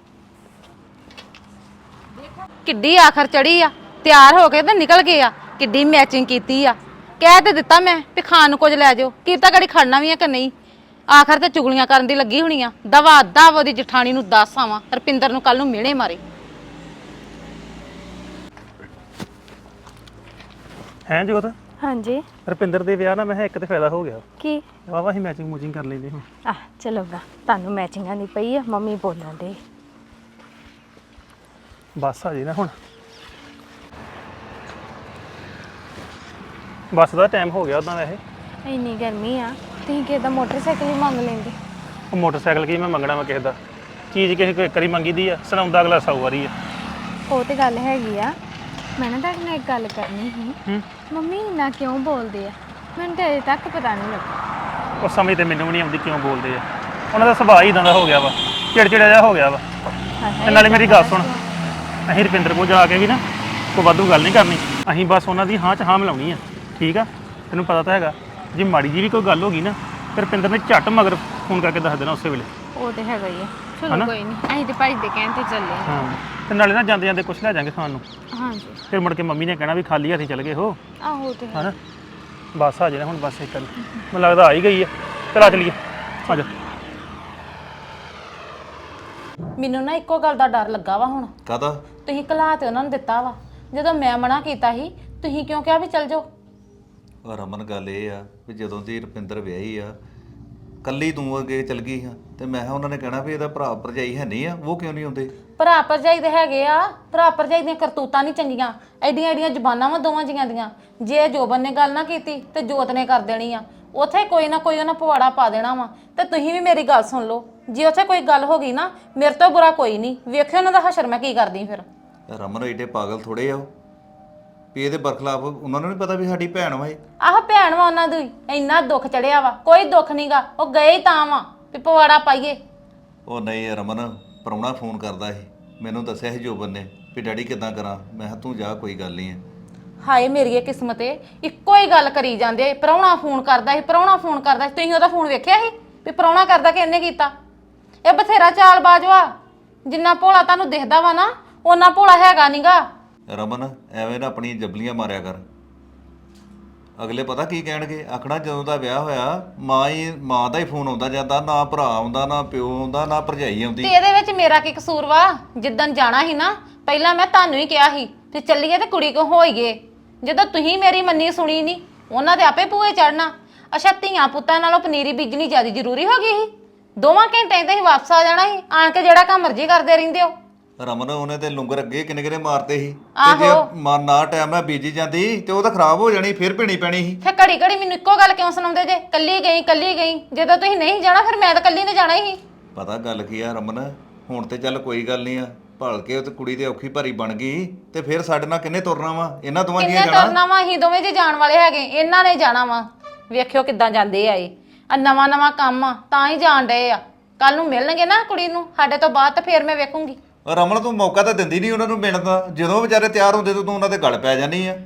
Speaker 1: ਕਿੱਡੀ ਆਖਰ ਚੜੀ ਆ, ਤਿਆਰ ਹੋ ਕੇ ਤੇ ਨਿਕਲ ਗਏ ਆ। ਕਿੱਡੀ ਮੈਚਿੰਗ ਕੀਤੀ ਆ। ਕਹਿ ਤੇ ਦਿੱਤਾ ਮੈਂ ਵੀ ਖਾਣ ਨੂੰ ਕੁਝ ਲੈ ਜਾਓ, ਕੀ ਤਾਂ ਗੜੀ ਖੜਨਾ ਵੀ ਆ ਕਿ ਨਹੀਂ। ਆਖਰ ਤੇ ਚੁਗਲੀਆਂ ਕਰਨ ਦੀ ਲੱਗੀ ਹੋਣੀ ਆ। ਦਵਾ ਦਵ ਉਹਦੀ ਜਠਾਣੀ ਨੂੰ ਦੱਸ ਆਵਾਂ, ਰੁਪਿੰਦਰ ਨੂੰ ਕੱਲ ਨੂੰ ਮਿਹਣੇ ਮਾਰੇ।
Speaker 3: ਹੈਂ ਜੋਤ?
Speaker 5: ਹਾਂਜੀ।
Speaker 3: ਰੁਪਿੰਦਰ ਦੇ ਵਿਆਹ ਨਾਲ ਮੈਂ ਕਿਹਾ ਇੱਕ ਤੇ ਫਾਇਦਾ ਹੋ ਗਿਆ।
Speaker 5: ਕੀ?
Speaker 3: ਵਾਵਾ ਅਸੀਂ ਮੈਚਿੰਗ ਮੂਚਿੰਗ ਕਰ ਲੈਂਦੇ ਹੁਣ।
Speaker 5: ਚਲੋ ਗਾ, ਤੁਹਾਨੂੰ ਮੈਚਿੰਗਾਂ ਨਹੀਂ ਪਈ ਆ, ਮੰਮੀ ਬੋਲਣ ਦੇ।
Speaker 3: ਬੱਸ ਆ ਜੇ ਨਾ ਹੁਣ। ਬੱਸ ਦਾ ਟਾਈਮ ਹੋ ਗਿਆ ਉਦਾਂ ਵੈਸੇ।
Speaker 5: ਇੰਨੀ ਗਰਮੀ ਆ, ਤੁਸੀਂ ਕਿਸੇ ਦਾ ਮੋਟਰਸਾਈਕਲ ਹੀ ਮੰਗ ਲੈਂਦੇ।
Speaker 3: ਉਹ ਮੋਟਰਸਾਈਕਲ ਕੀ ਮੈਂ ਮੰਗਣਾ ਵਾ ਕਿਸੇ ਦਾ? ਚੀਜ਼ ਕਿਸੇ ਕੋਈ ਇੱਕ ਵਾਰੀ ਮੰਗੀ ਦੀ ਆ, ਸੁਣਾਉਂਦਾ ਅਗਲਾ 100 ਵਾਰੀ ਆ।
Speaker 5: ਉਹ ਤੇ ਗੱਲ ਹੈਗੀ ਆ। ਮੈਂ ਨਾ ਤੁਹਾਡੇ ਨਾਲ ਇੱਕ ਗੱਲ ਕਰਨੀ ਸੀ। ਮੰਮੀ ਇੰਨਾ ਕਿਉਂ ਬੋਲਦੇ ਆ? ਮੈਨੂੰ ਤੇ ਅਜੇ ਤੱਕ ਪਤਾ ਨਹੀਂ ਲੱਗਾ।
Speaker 3: ਉਹ ਸਮਝ ਤੇ ਮੈਨੂੰ ਵੀ ਨਹੀਂ ਆਉਂਦੀ ਕਿਉਂ ਬੋਲਦੇ ਆ। ਉਹਨਾਂ ਦਾ ਸੁਭਾਅ ਹੀ ਇਦਾਂ ਦਾ ਹੋ ਗਿਆ ਵਾ, ਚਿੜਚਿੜਾ ਜਿਹਾ ਹੋ ਗਿਆ ਵਾ। ਤੇ ਨਾਲੇ ਮੇਰੀ ਗੱਲ ਸੁਣ, ਅਸੀਂ ਰੁਪਿੰਦਰ ਕੋਲ ਜਾ ਕੇ ਵੀ ਨਾ ਕੋਈ ਵਾਧੂ ਗੱਲ ਨਹੀਂ ਕਰਨੀ। ਅਸੀਂ ਬਸ ਉਹਨਾਂ ਦੀ ਹਾਂ 'ਚ ਹਾਂ ਮਿਲਾਉਣੀ ਆ, ਠੀਕ ਆ? ਤੈਨੂੰ ਪਤਾ ਤਾਂ ਹੈਗਾ, ਜੇ ਮਾੜੀ ਜੀ ਵੀ ਕੋਈ ਗੱਲ ਹੋ ਗਈ ਨਾ, ਫਿਰ ਰੁਪਿੰਦਰ ਨੇ ਝੱਟ ਮਗਰ ਫੋਨ ਕਰਕੇ ਦੱਸ ਦੇਣਾ ਉਸੇ ਵੇਲੇ।
Speaker 5: ਉਹ ਤੇ ਹੈਗਾ ਹੀ ਆ। ਚਲੋ ਕੋਈ ਨਹੀਂ, ਅਸੀਂ ਤੇ ਭਾਈ ਦੇ ਕਹਿਣ ਤੇ ਚੱਲੇ ਆ।
Speaker 3: ਹਾਂ, ਤੇ ਨਾਲੇ ਨਾ ਜਾਂਦੇ ਜਾਂਦੇ ਕੁਛ ਲੈ ਜਾਾਂਗੇ ਖਾਣ ਨੂੰ।
Speaker 5: ਹਾਂਜੀ।
Speaker 3: ਫਿਰ ਮੁੜ ਕੇ ਮੰਮੀ ਨੇ ਕਹਿਣਾ ਵੀ ਖਾਲੀ ਹੱਥੀ ਚੱਲ ਗਏ ਹੋ।
Speaker 5: ਆਹੋ ਤੇ ਹੈ।
Speaker 3: ਹਨਾ, ਬੱਸ ਆ ਜਾਣਾ ਹੁਣ। ਬੱਸ ਇੱਕ ਮੈਨੂੰ ਲੱਗਦਾ ਆ ਹੀ ਗਈ ਆ। ਚਲਾ ਚਲੀਏ, ਆ ਜਾ।
Speaker 1: ਮੈਨੂੰ ਨਾ ਇੱਕੋ ਗੱਲ ਦਾ ਡਰ ਲੱਗਾ ਵਾ ਹੁਣ।
Speaker 6: ਕਾਹਦਾ?
Speaker 1: ਤੁਸੀਂ ਘਲਾ ਤੇ ਉਹਨਾਂ ਨੂੰ ਦਿੱਤਾ ਵਾ, ਜਦੋਂ ਮੈਂ ਮਨਾ ਕੀਤਾ ਸੀ ਤੁਸੀਂ ਕਿਉਂ ਕਿਹਾ ਵੀ ਚੱਲ ਜਾਓ?
Speaker 6: ਰਮਨ ਗੱਲ ਇਹ ਆ ਵੀ ਜਦੋਂ ਦੀ ਰੁਪਿੰਦਰ ਵਿਆਹੀ ਆ, ਕੱਲੀ ਤੂੰ ਅੱਗੇ ਚਲ ਗਈ ਹਾਂ, ਤੇ ਮੈਂ ਕਿਹਾ ਉਹਨਾਂ ਨੇ ਕਹਿਣਾ ਵੀ ਇਹਦਾ ਭਰਾ ਭਰਜਾਈ ਹੈ ਨਹੀਂ ਆ, ਉਹ ਕਿਉਂ ਨਹੀਂ ਆਉਂਦੇ?
Speaker 1: ਭਰਾ ਭਰਜਾਈ ਦੇ ਹੈਗੇ ਆ। ਭਰਾ ਭਰਜਾਈ ਦੀਆਂ ਕਰਤੂਤਾਂ ਨਹੀਂ ਚੰਗੀਆਂ, ਐਡੀਆਂ ਐਡੀਆਂ ਜ਼ਬਾਨਾਂ ਵਾ ਦੋਵਾਂ ਜੀਆਂ ਦੀਆਂ। ਜੇ ਜੋਬਨ ਨੇ ਗੱਲ ਨਾ ਕੀਤੀ ਤੇ ਜੋਤ ਨੇ ਕਰ ਦੇਣੀ ਆ। ਉੱਥੇ ਕੋਈ ਨਾ ਕੋਈ ਉਹਨਾਂ ਪਵਾੜਾ ਪਾ ਦੇਣਾ ਵਾ। ਤੇ ਤੁਸੀਂ ਵੀ ਮੇਰੀ ਗੱਲ ਸੁਣ ਲਓ, ਜੇ ਉੱਥੇ ਕੋਈ ਗੱਲ ਹੋ ਗਈ ਨਾ, ਮੇਰੇ ਤੋਂ ਬੁਰਾ ਕੋਈ ਨਹੀਂ। ਵੇਖਿਓ ਉਹਨਾਂ ਦਾ ਹਸ਼ਰ ਮੈਂ ਕੀ ਕਰਦੀ ਫਿਰ।
Speaker 6: ਰਮਨ ਏਡੇ ਪਾਗਲ ਥੋੜੇ ਆ ਉਹ ਵੀ ਇਹਦੇ ਬਰਖਲਾਫ। ਉਹਨਾਂ ਨੂੰ ਨਹੀਂ ਪਤਾ ਵੀ ਸਾਡੀ ਭੈਣ ਵਾ ਇਹ।
Speaker 1: ਆਹ ਭੈਣ ਵਾ ਉਹਨਾਂ ਦੀ, ਇੰਨਾ ਦੁੱਖ ਚੜਿਆ ਵਾ। ਕੋਈ ਦੁੱਖ ਨਹੀਂਗਾ, ਉਹ ਗਏ ਹੀ ਤਾਂ ਵਾ। ਵੀ ਪਵਾੜਾ ਪਾਈਏ।
Speaker 6: ਉਹ ਨਹੀਂ ਰਮਨ, ਪ੍ਰਾਹੁਣਾ ਫੋਨ ਕਰਦਾ ਸੀ, ਮੈਨੂੰ ਦੱਸਿਆ ਸੀ ਜੋਬਨ ਨੇ ਵੀ ਡੈਡੀ ਕਿੱਦਾਂ ਕਰਾਂ। ਮੈਂ ਕਿਹਾ ਤੂੰ ਜਾ, ਕੋਈ ਗੱਲ ਨਹੀਂ ਹੈ।
Speaker 1: ਹਾਏ ਮੇਰੀ ਕਿਸਮਤੇ, ਇੱਕੋ ਹੀ ਗੱਲ ਕਰੀ ਜਾਂਦੇ, ਪ੍ਰਾਹੁਣਾ ਫੋਨ ਕਰਦਾ ਸੀ, ਪ੍ਰਾਹੁਣਾ ਫੋਨ ਕਰਦਾ ਸੀ। ਤੁਸੀਂ ਉਹਦਾ ਫੋਨ ਵੇਖਿਆ ਸੀ ਵੀ ਪ੍ਰਾਹੁਣਾ ਕਰਦਾ ਕਿ ਇਹਨੇ ਕੀਤਾ? ਇਹ ਬਥੇਰਾ ਚਾਲਬਾਜ਼ ਵਾ, ਜਿੰਨਾ ਭੋਲਾ ਤੁਹਾਨੂੰ ਦਿਖਦਾ ਵਾ ਨਾ ਉਹਨਾਂ ਭੋਲਾ ਹੈਗਾ ਨੀਗਾ।
Speaker 6: ਰਮਨ ਐਵੇਂ ਨਾ ਆਪਣੀ ਜਬਲੀਆਂ ਮਾਰਿਆ ਕਰ, ਅਗਲੇ ਪਤਾ ਕੀ ਕਹਿਣਗੇ, ਆਖਣਾ ਜਦੋਂ ਦਾ ਵਿਆਹ ਹੋਇਆ ਮਾਂ ਦਾ ਹੀ ਫੋਨ ਆਉਂਦਾ ਜਾਂਦਾ, ਨਾ ਭਰਾ ਆਉਂਦਾ, ਨਾ ਪਿਓ ਆਉਂਦਾ, ਨਾ ਭਰਜਾਈ ਆਉਂਦੀ।
Speaker 1: ਤੇ ਇਹਦੇ ਵਿੱਚ ਮੇਰਾ ਕੀ ਕਸੂਰ ਵਾ? ਜਿੱਦਣ ਜਾਣਾ ਸੀ ਨਾ, ਪਹਿਲਾਂ ਮੈਂ ਤੁਹਾਨੂੰ ਹੀ ਕਿਹਾ ਸੀ ਤੇ ਚੱਲੀਏ ਤੇ ਕੁੜੀ ਕੋ ਹੋਈਏ। ਜਦੋਂ ਤੁਸੀਂ ਮੇਰੀ ਮੰਨੀ ਸੁਣੀ ਨਹੀਂ, ਉਹਨਾਂ ਦੇ ਆਪੇ ਭੂਏ ਚੜਨਾ। ਅੱਛਾ, ਧੀਆਂ ਪੁੱਤਾਂ ਨਾਲੋਂ ਪਨੀਰੀ ਬੀਜਣੀ ਜ਼ਿਆਦਾ ਜ਼ਰੂਰੀ ਹੋ ਗਈ ਸੀ? 2 ਘੰਟੇ ਤੇ ਹੀ ਵਾਪਸ ਆ ਜਾਣਾ ਸੀ, ਆਣ ਕੇ ਜਿਹੜਾ ਕੰਮ ਮਰਜ਼ੀ ਕਰਦੇ ਰਹਿੰਦੇ ਹੋ।
Speaker 6: ਰਮਨ ਉਹਨੇ ਤੇ ਲੁੰਗਰ ਅੱਗੇ ਕਿੰਨੇ ਕਿੰਨੇ ਮਾਰਤੇ ਸੀ, ਤੇ ਜੇ ਨਾ ਟਾਈਮ ਨਾਲ ਬੀਜੀ ਜਾਂਦੀ ਤੇ ਉਹ ਤਾਂ ਖਰਾਬ ਹੋ ਜਾਣੀ, ਫਿਰ ਭਿਣੀ ਪੈਣੀ ਸੀ।
Speaker 1: ਫਿਰ ਘੜੀ ਘੜੀ ਮੈਨੂੰ ਇੱਕੋ ਗੱਲ ਕਿਉਂ ਸੁਣਾਉਂਦੇ ਜੇ, ਕੱਲੀ ਗਈ ਕੱਲੀ ਗਈ? ਜਦੋਂ ਤੁਸੀਂ ਨਹੀਂ ਜਾਣਾ ਫਿਰ ਮੈਂ ਤਾਂ ਕੱਲੀ ਨੇ ਜਾਣਾ ਹੀ।
Speaker 6: ਪਤਾ ਗੱਲ ਕੀ ਆ ਰਮਨ, ਹੁਣ ਤੇ ਚੱਲ ਕੋਈ ਗੱਲ ਨਹੀਂ ਆ, ਭਲ ਕੇ ਉਹ ਤੇ ਕੁੜੀ ਤੇ ਔਖੀ ਭਾਰੀ ਬਣ ਗਈ, ਤੇ ਫਿਰ ਸਾਡੇ ਨਾਲ ਕਿੰਨੇ ਤੁਰਨਾ ਵਾ? ਇਹਨਾਂ ਦੋਵਾਂ ਜੀਆਂ
Speaker 1: ਕਿੰਨੇ ਤੁਰਨਾ ਵਾ? ਅਸੀਂ ਦੋਵੇਂ ਜੀ ਜਾਣ ਵਾਲੇ ਹੈਗੇ, ਇਹਨਾਂ ਨੇ ਜਾਣਾ ਵਾ। ਵੇਖਿਓ ਕਿੱਦਾਂ ਜਾਂਦੇ ਆ ਇਹ, ਆ ਨਵਾਂ ਨਵਾਂ ਕੰਮ ਆ ਤਾਂ ਹੀ ਜਾਣ ਡਏ ਆ। ਕੱਲ ਨੂੰ ਮਿਲਣਗੇ ਨਾ ਕੁੜੀ ਨੂੰ ਸਾਡੇ ਤੋਂ ਬਾਅਦ, ਤਾਂ ਫਿਰ ਮੈਂ ਵੇਖੂੰਗੀ।
Speaker 6: ਰਮਨ ਤੂੰ ਮੌਕਾ ਤਾਂ ਦਿੰਦੀ ਨਹੀਂ ਉਹਨਾਂ ਨੂੰ ਮਿਲਣ ਦਾ, ਜਦੋਂ ਵਿਚਾਰੇ ਤਿਆਰ ਹੁੰਦੇ ਤੂੰ ਉਹਨਾਂ ਦੇ ਗਲ ਪੈ ਜਾਨੀ ਆ।